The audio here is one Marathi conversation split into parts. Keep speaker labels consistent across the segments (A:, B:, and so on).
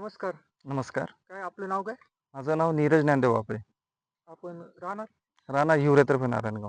A: नमस्कार.
B: नमस्कार.
A: काय आपलं नाव काय?
B: माझं नाव नीरज ज्ञानदेव वापरे.
A: आपण राहणार?
B: राहणार हिवरेतर्फे नारायणगाव.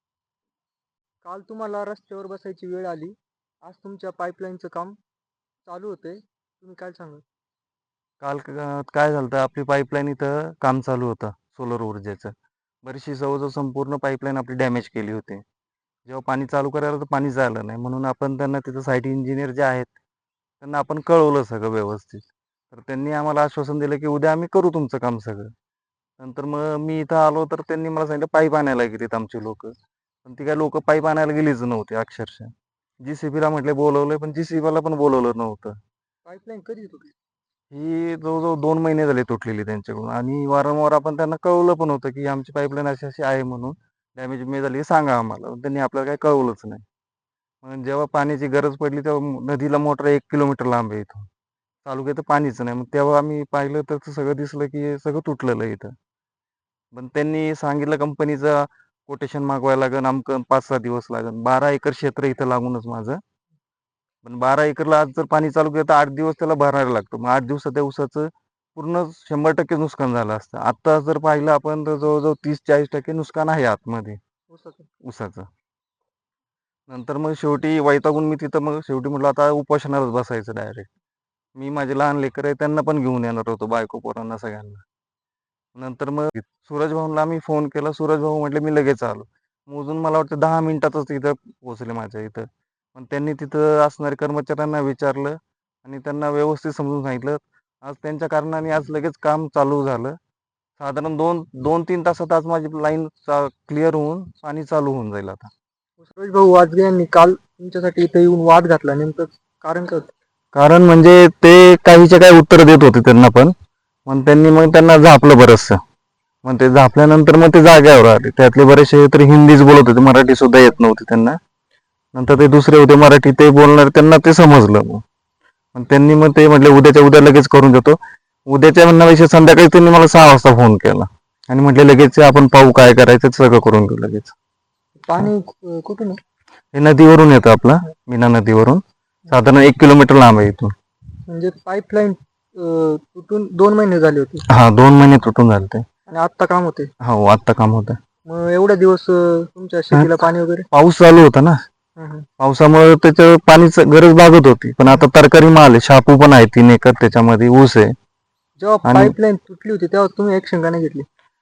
A: काल तुम्हाला रस्त्यावर बसायची वेळ आली. आज तुमच्या पाईपलाईनचं काम चालू होतंय. तुम्ही काय सांगाल?
B: काल काय झालं होतं, आपली पाईपलाईन इथं काम चालू होतं सोलर ऊर्जेचं. बरीचशी जवळजवळ संपूर्ण पाईपलाईन आपली डॅमेज केली होती. जेव्हा पाणी चालू करायला तर पाणी झालं नाही, म्हणून आपण त्यांना तिथं साईट इंजिनियर जे आहेत त्यांना आपण कळवलं सगळं व्यवस्थित. तर त्यांनी आम्हाला आश्वासन दिलं की उद्या आम्ही करू तुमचं काम सगळं. नंतर मग मी इथं आलो तर त्यांनी मला सांगितलं पाईप आणायला गेलीत आमची लोक. पण ती काय लोक पाईप आणायला गेलीच नव्हती अक्षरशः. JCB म्हटले बोलवलंय, पण JCB पण बोलवलं नव्हतं.
A: पाईपलाईन कधी तुटली?
B: ही जवळजवळ 2 महिने झाले तुटलेली त्यांच्याकडून, आणि वारंवार आपण त्यांना कळवलं पण होतं की आमची पाईपलाईन अशी अशी आहे म्हणून, डॅमेज मे झाली सांगा आम्हाला. पण त्यांनी आपल्याला काही कळवलंच नाही. मग जेव्हा पाण्याची गरज पडली तेव्हा नदीला मोटर 1 किलोमीटर लांब आहे इथून, तालुक्यात पाणीच नाही. मग तेव्हा आम्ही पाहिलं तर सगळं दिसलं की हे सगळं तुटलेलं आहे इथं. पण त्यांनी सांगितलं कंपनीचं कोटेशन मागवायला लागेल, आमकं 5-6 दिवस लागेल. 12 एकर क्षेत्र इथं लागूनच माझं. पण 12 एकरला आज जर पाणी चालू केलं तर 8 दिवस त्याला भरायला लागतं. मग 8 दिवसात त्या ऊसाचं पूर्ण 100% नुकसान झालं असतं. आत्ता जर पाहिलं आपण तर जवळजवळ 30-40% नुकसान आहे आतमध्ये
A: ऊसाचं?
B: ऊसाचं. नंतर मग शेवटी वैतागून मी तिथं मग शेवटी म्हटलं आता उपोषणालाच बसायचं डायरेक्ट. मी माझे लहान लेकर आहे त्यांना पण घेऊन येणार होतो, बायको पोरांना सगळ्यांना. नंतर मग सूरज भाऊंना आम्ही फोन केला. सूरज भाऊ म्हटले मी लगेच आलो. मोजून मला वाटतं 10 मिनिटातच तिथं पोहोचले माझ्या इथं. पण त्यांनी तिथं असणाऱ्या कर्मचाऱ्यांना विचारलं आणि त्यांना व्यवस्थित समजून सांगितलं. आज त्यांच्या कारणाने आज लगेच काम चालू झालं. साधारण 2-3 तासात आज माझी लाईन क्लिअर होऊन पाणी चालू होऊन जाईल आता.
A: सुरेश भाऊ वाजगे यांनी काल तुमच्यासाठी इथे येऊन वाद घातला. नेमकं कारण काय होतं?
B: कारण म्हणजे ते काहीचे काही उत्तर देत होते त्यांना पण. मग त्यांना झापलं बरचसं. मग ते झापल्यानंतर मग ते जाग्यावर आले. त्यातले बरेचसे तरी हिंदीच बोलत होते, मराठी सुद्धा येत नव्हती त्यांना. नंतर ते दुसरे होते मराठी, ते बोलणार, त्यांना ते समजलं. मग त्यांनी मग ते म्हटले उद्याच्या उद्या लगेच करून देतो. उद्याच्या म्हणण्यापेक्षा संध्याकाळी त्यांनी मला 6 वाजता फोन केला आणि म्हटले लगेच आपण पाहू काय करायचं, सगळं करून घेऊ लगेच.
A: पाणी कुठून आहे?
B: हे नदीवरून येतं आपला, मीना नदीवरून. साधारण 1 किलोमीटर लांब आहे इथून.
A: म्हणजे पाईपलाईन तुटून 2 महिने झाले होते
B: हा, 2 महिने तुटून झाले ते.
A: आणि आत्ता काम होते.
B: हो, आत्ता काम होतं.
A: मग एवढ्या दिवस तुमच्या शेतीला पाणी वगैरे?
B: पाऊस चालू होता ना, पावसामुळे त्याच्या पाणीच गरज भागत होती. पण आता तरकारी माल आहे, शापू पण आहे 3 एकर, त्याच्यामध्ये ऊस आहे.
A: जेव्हा पाईपलाईन तुटली होती तेव्हा तुम्ही ऍक्शन का नाही घेतली?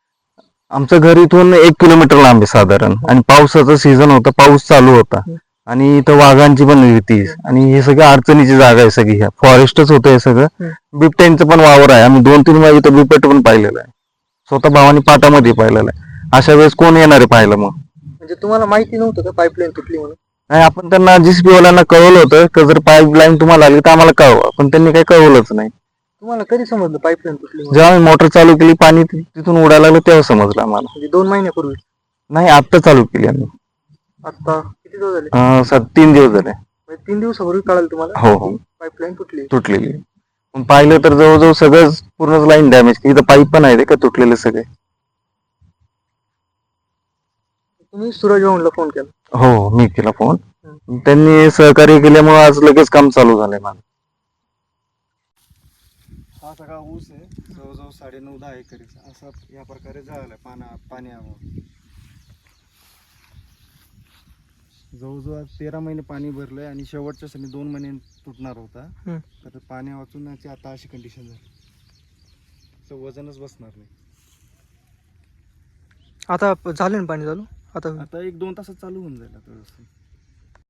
B: आमचं घर इथून 1 किलोमीटर लांब आहे साधारण, आणि पावसाचा सीझन होता, पाऊस चालू होता, आणि इथं वाघांची पण भीती, आणि हे सगळं अडचणीची जागा आहे सगळी. ह्या फॉरेस्टच होतं हे सगळं. बिबट्यांचं पण वावर आहे. आम्ही 2-3 वेळा इथं बिबट पण पाहिलेलं आहे, स्वतः भावानी पाटामध्ये पाहिलेलं आहे. अशा वेळेस कोण येणार आहे पाहायला? मग
A: म्हणजे तुम्हाला माहिती नव्हतं का पाईपलाईन तुटली म्हणून?
B: नाही, आपण त्यांना JCB वाल्यांना कळवलं होतं की जर पाईपलाईन तुम्हाला आली तर आम्हाला कळवा, पण त्यांनी काही कळवलंच नाही.
A: तुम्हाला कधी समजलं पाईपलाईन तुटली म्हणून?
B: जेव्हा आम्ही मोटर चालू केली, पाणी तिथून उडायला लागलं तेव्हा समजलं आम्हाला.
A: म्हणजे 2 महिन्यापूर्वी?
B: नाही, आत्ता चालू केली आम्ही.
A: आता किती दिवस झाले?
B: 3 दिवस झाले.
A: 3 दिवसापूर्वी कळालं तुम्हाला?
B: हो हो,
A: पाईपलाईन तुटली.
B: तुटलेली. पण पाहिलं तर जवळजवळ सगळंच पूर्ण लाईन डॅमेज. इथं पाईप पण आहे ते का तुटलेले सगळे.
A: तुम्ही सूरज भाऊंना फोन केला?
B: हो, मी केला फोन. त्यांनी सहकार्य केल्यामुळे आज लगेच काम चालू झालंय माझं.
C: हा सगळा ऊस आहे, जवळजवळ 9.5-10 एकरीचा. असा या प्रकारे झाला पाण्यामुळे. जवळजवळ 13 महिने पाणी भरलंय, आणि शेवटच्या सणी 2 महिने तुटणार होता. तर पाण्या वाचून आता अशी कंडिशन झाली, तर वजनच बसणार नाही.
A: आता झालं ना पाणी चालू? आता
C: 1-2 तासात चालू होऊन जाईल आता व्यवस्थित.